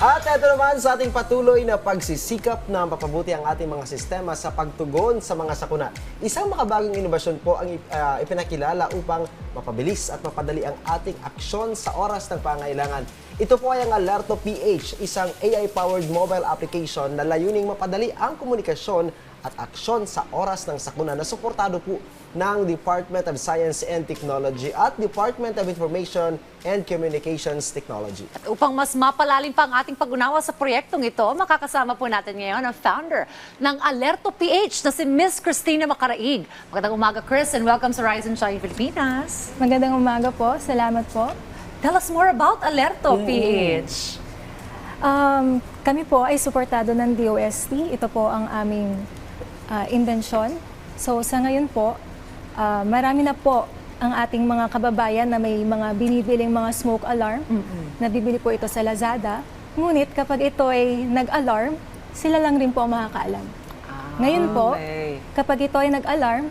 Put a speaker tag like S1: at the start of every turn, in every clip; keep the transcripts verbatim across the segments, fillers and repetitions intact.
S1: At ito naman sa ating patuloy na pagsisikap na mapabuti ang ating mga sistema sa pagtugon sa mga sakuna. Isang makabagong inobasyon po ang uh, ipinakilala upang mapabilis at mapadali ang ating aksyon sa oras ng pangailangan. Ito po ay ang Alerto P H, isang A I-powered mobile application na layuning mapadali ang komunikasyon at aksyon sa oras ng sakuna na suportado po ng Department of Science and Technology at Department of Information and Communications Technology.
S2: At upang mas mapalalim pa ang ating pag-unawa sa proyektong ito, makakasama po natin ngayon ang founder ng Alerto P H na si Miss Christina Macaraig. Magandang umaga, Chris, and welcome sa Rise and Shine Pilipinas.
S3: Magandang umaga po. Salamat po.
S2: Tell us more about Alerto P H.
S3: Um, kami po ay suportado ng D O S T. Ito po ang aming uh, invensyon. So sa ngayon po, uh, marami na po ang ating mga kababayan na may mga binibiling mga smoke alarm. Mm-hmm. Nabibili po ito sa Lazada. Ngunit kapag ito ay nag-alarm, sila lang rin po ang makakaalam. Ah, ngayon po, okay. Kapag ito ay nag-alarm,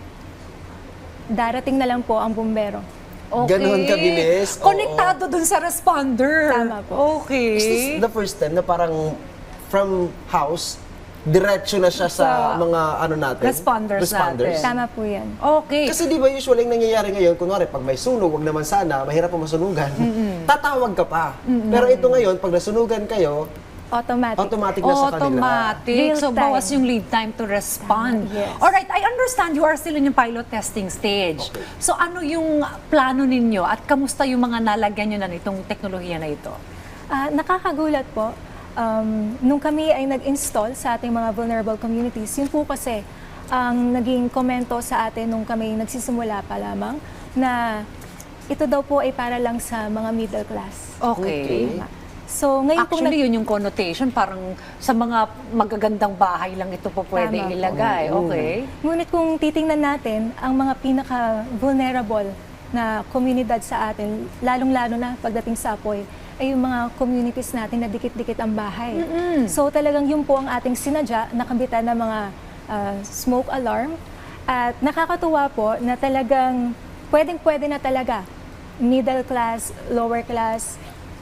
S3: darating na lang po ang bumbero.
S2: Okay.
S1: Ganon kabilis.
S2: Konektado dun sa responder.
S3: Tama po.
S2: Okay.
S1: Is this the first time na parang from house, diretso na siya sa, sa mga ano natin?
S2: Responders, responders natin.
S3: Tama po yan.
S2: Okay.
S1: Kasi di ba usually ang nangyayari ngayon, kunwari pag may sunog, wag naman sana, mahirap pa masunugan, mm-hmm. tatawag ka pa. Mm-hmm. Pero ito ngayon, pag nasunugan kayo,
S3: automatic.
S1: Automatic na sa kanila.
S2: Automatic. So,
S3: time.
S2: bawas yung lead time to respond.
S3: Uh, yes.
S2: Alright, I understand you are still in yung pilot testing stage.
S1: Okay.
S2: So, ano yung plano ninyo at kamusta yung mga nalagyan nyo na nitong teknolohiya na ito?
S3: Uh, nakakagulat po. Um, nung kami ay nag-install sa ating mga vulnerable communities, yun po kasi ang naging komento sa atin nung kami nagsisimula pa lamang na ito daw po ay para lang sa mga middle class.
S2: Okay.
S3: Okay. So, ngayon
S2: Actually,
S3: nag-
S2: yun yung connotation. Parang sa mga magagandang bahay lang ito po pwede
S3: Tama po.
S2: ilagay. Okay.
S3: Ngunit kung titingnan natin, ang mga pinaka-vulnerable na komunidad sa atin, lalong-lalo na pagdating sa apoy, ay yung mga communities natin na dikit-dikit ang bahay.
S2: Mm-mm.
S3: So talagang yun po ang ating sinadya, nakabitan ng mga uh, smoke alarm. At nakakatuwa po na talagang pwedeng-pwede na talaga, middle class, lower class,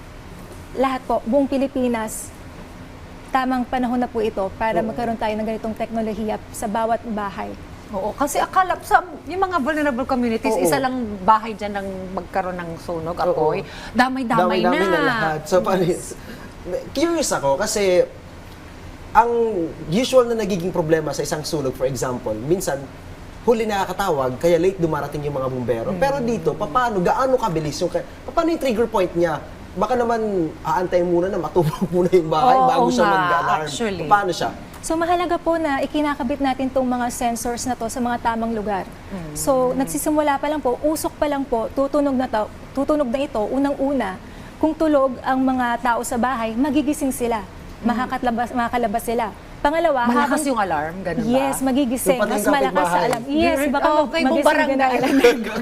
S3: lahat po, buong Pilipinas, tamang panahon na po ito para
S1: Oo.
S3: magkaroon tayo ng ganitong teknolohiya sa bawat bahay.
S2: Oo, kasi akala sa yung mga vulnerable communities,
S1: Oo.
S2: isa lang bahay dyan ng magkaroon ng sunog, apoy. Damay-damay na.
S1: Dami-dami na lahat. So, paano, curious ako kasi ang usual na nagiging problema sa isang sunog, for example, minsan huli nakakatawag, kaya late dumarating yung mga bumbero. Mm. Pero dito, paano, gaano kabilis yung, paano yung trigger point niya? Baka naman aantayin muna na matubog muna yung bahay
S2: Oo
S1: bago siya
S2: nga,
S1: mag-alarm.
S2: actually.
S1: Paano siya?
S3: So mahalaga po na ikinakabit natin itong mga sensors na to sa mga tamang lugar. Mm. So nagsisimula pa lang po, usok pa lang po, tutunog na, to, tutunog na ito, unang-una, kung tulog ang mga tao sa bahay, magigising sila, mm. makakatlabas, makakalabas sila. Pangalawa,
S2: malakas
S3: habang,
S2: yung alarm, ganun ba?
S3: Yes, magigising.
S1: Yung
S3: Mas malakas sa alarm. Yes, baka
S2: oh, okay,
S3: magising
S2: barangay.
S3: ka na alarm.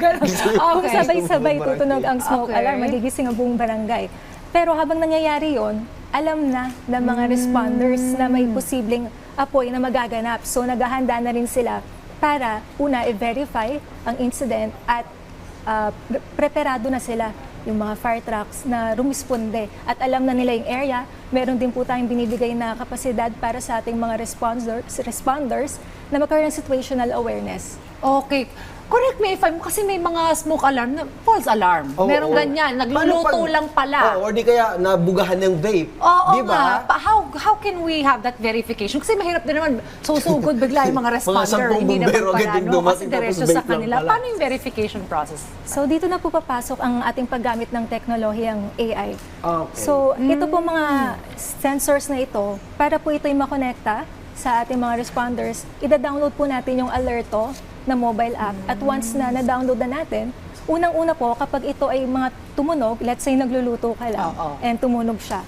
S3: Kung
S2: Okay.
S3: sabay-sabay tutunog ang smoke
S2: Okay.
S3: alarm, magigising ang buong barangay. Pero habang nangyayari yon, alam na ng mga responders na may posibleng apoy na magaganap. So naghahanda na rin sila para una i-verify ang incident at uh, pre- preparado na sila yung mga fire trucks na rumisponde at alam na nila yung area. Meron din po tayong binibigay na kapasidad para sa ating mga responders, responders na magkaroon ng situational awareness.
S2: Okay. Correct me if I'm, kasi may mga smoke alarm, na false alarm.
S1: Oo,
S2: Merong
S1: oo.
S2: ganyan,
S1: Paano
S2: nagluluto
S1: pag-
S2: lang pala.
S1: Oo, or di kaya nabugahan ng vape.
S2: Oo
S1: di ba?
S2: nga. Pa- how, how can we have that verification? Kasi mahirap din naman, susugod bigla yung mga
S1: Mga
S2: responder.
S1: sampung
S2: Hindi naman
S1: bumbero
S2: pala,
S1: agad yung
S2: no? Kasi
S1: dumating, tapos
S2: diretso
S1: vape
S2: sa
S1: lang
S2: kanila.
S1: pala.
S2: Paano yung verification process?
S3: So dito na po papasok ang ating paggamit ng teknolohiyang A I.
S1: Okay.
S3: So ito po mga sensors na ito, para po ito'y makonekta sa ating mga responders, ida-download po natin yung Alerto na mobile app. At once na na-download na natin, unang-una po kapag ito ay mga tumunog, let's say nagluluto ka lang
S2: Oo.
S3: and tumunog siya,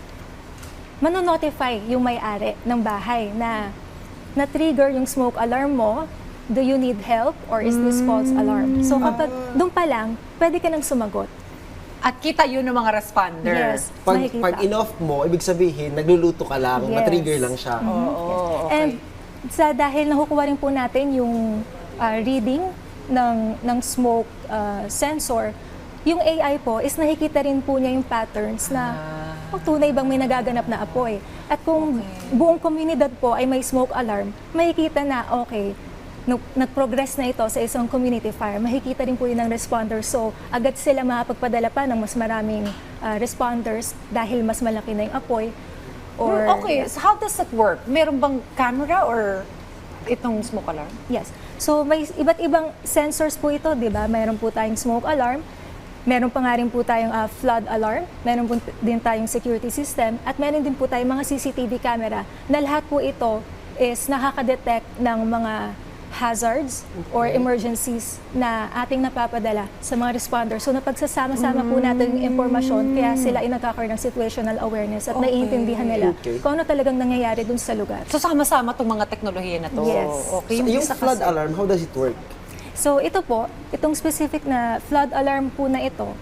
S3: manonotify yung may-ari ng bahay na na-trigger yung smoke alarm mo, do you need help or is this false alarm? So kapag doon pa lang, pwede ka nang sumagot.
S2: At kita yun ng mga responder.
S3: Yes,
S1: Pag,
S3: makikita.
S1: pag in-off mo, ibig sabihin, nagluluto ka lang,
S3: Yes.
S1: matrigger lang siya.
S2: Oo, okay.
S3: And sa dahil nakukuha rin po natin yung uh, reading ng ng smoke uh, sensor, yung A I po is nakikita rin po niya yung patterns na
S2: Ah.
S3: kung tunay bang may nagaganap na apoy. At kung buong komunidad po ay may smoke alarm, makikita na, okay, no, nag-progress na ito sa isang community fire, makikita rin po yun ng responders. So, agad sila makapagpadala pa ng mas maraming ah, responders dahil mas malaki na yung apoy. Or,
S2: okay, so how does it work? Meron bang camera or itong smoke alarm?
S3: Yes. So may iba't ibang sensors po ito, di ba? Meron po tayong smoke alarm, meron pa nga rin po tayong ah, flood alarm, meron po din tayong security system, at meron din po tayong mga C C T V camera na lahat po ito is nakaka-detect ng mga hazards or emergencies na ating napapadala sa mga responders. So napagsasama-sama po natin yung impormasyon, kaya sila ay nagkakaroon ng situational awareness at
S2: Okay.
S3: naiintindihan nila
S1: Okay.
S3: kung ano talagang nangyayari dun sa lugar.
S2: So sama-sama itong mga teknolohiya na to.
S3: Yes.
S2: Okay,
S1: So, yung
S2: isa
S1: flood
S2: kasi-
S1: alarm, how does it work?
S3: So ito po, itong specific na flood alarm po na ito,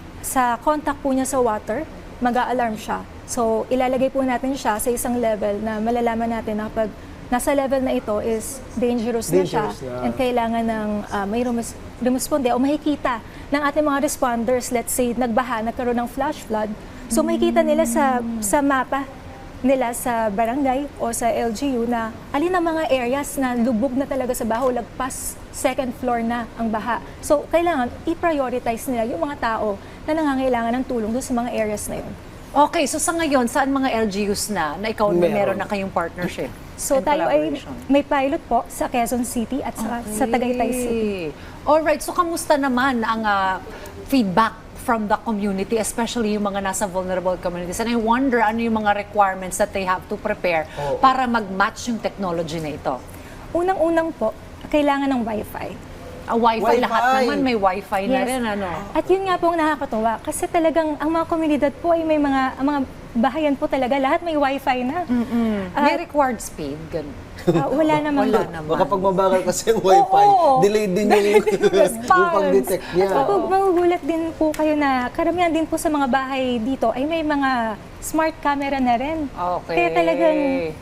S3: sa contact po niya sa water, mag-a-alarm siya. So ilalagay po natin siya sa isang level na malalaman natin na pag nasa level na ito is dangerous, na siya
S1: Dangerous na.
S3: and kailangan ng uh, may rumus- rumusponde o makikita ng ating mga responders, let's say nagbaha, nagkaroon ng flash flood. So makikita nila sa sa mapa nila sa barangay o sa L G U na alin ang mga areas na lubog na talaga sa baho, lagpas second floor na ang baha. So, kailangan i-prioritize nila yung mga tao na nangangailangan ng tulong doon sa mga areas na yun.
S2: Okay, so sa ngayon, saan mga L G Us na na ikaw na
S1: Meron.
S2: meron na kayong partnership?
S3: So,
S2: and
S3: tayo ay
S2: collaboration?
S3: may pilot po sa Quezon City at sa, sa Tagaytay City.
S2: Alright, so kamusta naman ang ah, feedback from the community, especially yung mga nasa vulnerable communities? And I wonder ano yung mga requirements that they have to prepare
S1: Oo.
S2: para mag-match yung technology na ito?
S3: Unang-unang po, kailangan ng Wi-Fi.
S2: A wifi,
S1: Wifi.
S2: lahat naman may wifi na
S3: Yes.
S2: rin, ano?
S3: At yun nga po ang nakakatuwa kasi talagang ang mga komunidad po ay may mga, ang mga bahayan po talaga, lahat may Wi-Fi na. Ah,
S2: May required speed, ganun.
S3: ah, wala naman.
S2: Wala naman.
S1: Baka pag mabagal kasi yung wifi,
S2: Oo.
S1: delay din yung, yung pag-detect niya.
S3: At mag- magugulat din po kayo na karamihan din po sa mga bahay dito ay may mga smart camera na rin.
S2: Okay.
S3: Kaya talagang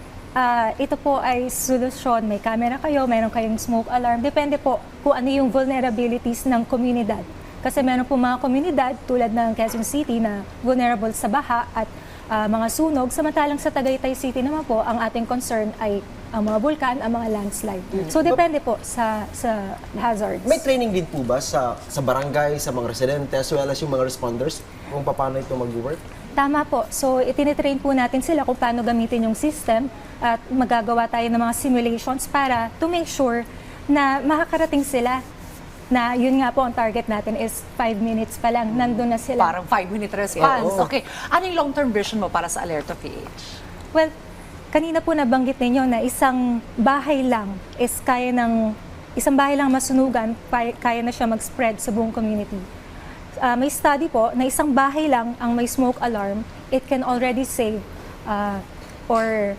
S3: ah, ito po ay solusyon. May camera kayo, meron kayong smoke alarm. Depende po kung ano yung vulnerabilities ng komunidad. Kasi meron po mga komunidad tulad ng Quezon City na vulnerable sa baha at ah, mga sunog. Samantalang sa Tagaytay City naman po, ang ating concern ay ang mga bulkan, ang mga landslide. So depende po sa sa hazards.
S1: May training din po ba sa sa barangay, sa mga residente, as well as yung mga responders kung paano ito mag-work?
S3: Tama po. So, itinitrain po natin sila kung paano gamitin yung system at magagawa tayo ng mga simulations para to make sure na makakarating sila na yun nga po ang target natin is five minutes pa lang, nandun na sila.
S2: Parang five-minute response.
S1: Oo.
S2: Okay. Ano yung long-term vision mo para sa Alerto P H?
S3: Well, kanina po nabanggit ninyo na isang bahay lang is kaya ng, isang bahay lang masunugan, kaya, kaya na siya mag-spread sa buong community. Ah, may study po na isang bahay lang ang may smoke alarm, it can already save ah, or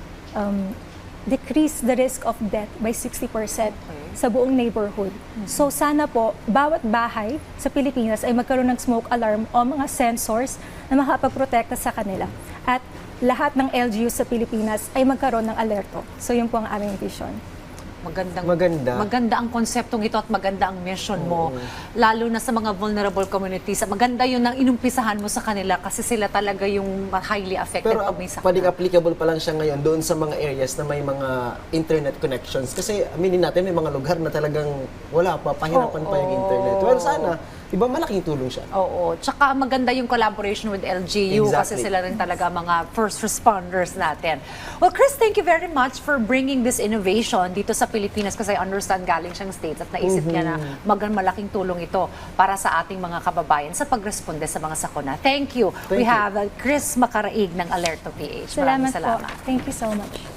S3: um, decrease the risk of death by sixty percent sa buong neighborhood. So sana po, bawat bahay sa Pilipinas ay magkaroon ng smoke alarm o mga sensors na makapagprotekta sa kanila. At lahat ng L G U sa Pilipinas ay magkaroon ng alerto. So yun po ang aming vision.
S2: Magandang,
S1: Maganda.
S2: maganda ang konseptong ito at maganda ang mission mo. Lalo na sa mga vulnerable communities. Maganda yun ang inumpisahan mo sa kanila kasi sila talaga yung highly affected
S1: Pero
S2: pag may sakit.
S1: pwedeng applicable pa lang siya ngayon doon sa mga areas na may mga internet connections. Kasi aminin natin, may mga lugar na talagang wala pa, pahirapan pa yung internet. Well, sana, iba malaking tulong siya.
S2: Oo. Tsaka maganda yung collaboration with L G U kasi
S1: Exactly.
S2: sila rin talaga mga first responders natin. Well, Chris, thank you very much for bringing this innovation dito sa Pilipinas kasi I understand galing siyang States at naisip niya na magang malaking tulong ito para sa ating mga kababayan sa pagresponde sa mga sakuna. Thank you.
S1: Thank
S2: We
S1: you.
S2: have uh, Chris Macaraig ng Alerto P H.
S3: Salamat,
S2: Maraming salamat.
S3: po. Thank you so much.